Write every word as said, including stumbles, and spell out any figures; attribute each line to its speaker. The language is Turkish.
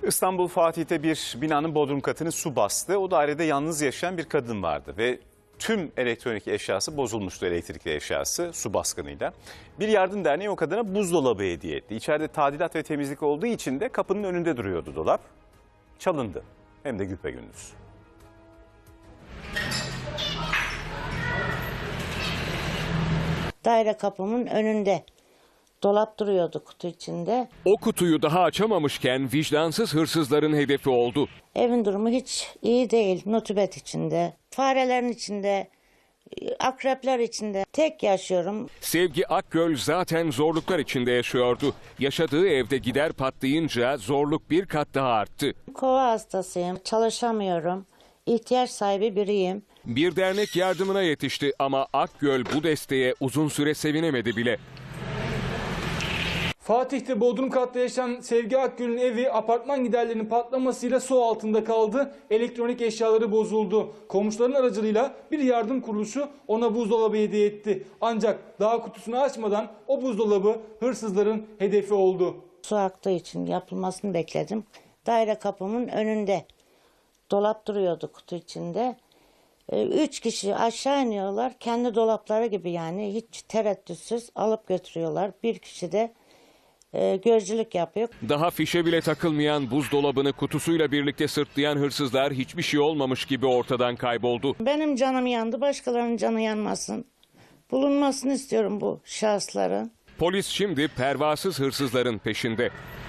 Speaker 1: İstanbul Fatih'te bir binanın bodrum katını su bastı. O dairede yalnız yaşayan bir kadın vardı ve tüm elektronik eşyası bozulmuştu, elektrikli eşyası su baskınıyla. Bir yardım derneği o kadına buzdolabı hediye etti. İçeride tadilat ve temizlik olduğu için de kapının önünde duruyordu dolap. Çalındı, hem de güpegündüz.
Speaker 2: Daire kapımın önünde dolap duruyordu kutu içinde.
Speaker 3: O kutuyu daha açamamışken vicdansız hırsızların hedefi oldu.
Speaker 2: Evin durumu hiç iyi değil. Nutubet içinde, farelerin içinde, akrepler içinde. Tek yaşıyorum.
Speaker 3: Sevgi Akgöl zaten zorluklar içinde yaşıyordu. Yaşadığı evde gider patlayınca zorluk bir kat daha arttı.
Speaker 2: Kova hastasıyım, çalışamıyorum. İhtiyaç sahibi biriyim.
Speaker 3: Bir dernek yardımına yetişti ama Akgöl bu desteğe uzun süre sevinemedi bile.
Speaker 4: Fatih'te bodrum katta yaşayan Sevgi Akgül'ün evi apartman giderlerinin patlamasıyla su altında kaldı. Elektronik eşyaları bozuldu. Komşuların aracılığıyla bir yardım kuruluşu ona buzdolabı hediye etti. Ancak daha kutusunu açmadan o buzdolabı hırsızların hedefi oldu.
Speaker 2: Su aktığı için yapılmasını bekledim. Daire kapımın önünde dolap duruyordu kutu içinde. Üç kişi aşağı iniyorlar. Kendi dolapları gibi, yani hiç tereddütsüz alıp götürüyorlar. Bir kişi de e, gözcülük yapıyor.
Speaker 3: Daha fişe bile takılmayan buzdolabını kutusuyla birlikte sırtlayan hırsızlar hiçbir şey olmamış gibi ortadan kayboldu.
Speaker 2: Benim canım yandı, başkalarının canı yanmasın. Bulunmasını istiyorum bu şahısların.
Speaker 3: Polis şimdi pervasız hırsızların peşinde.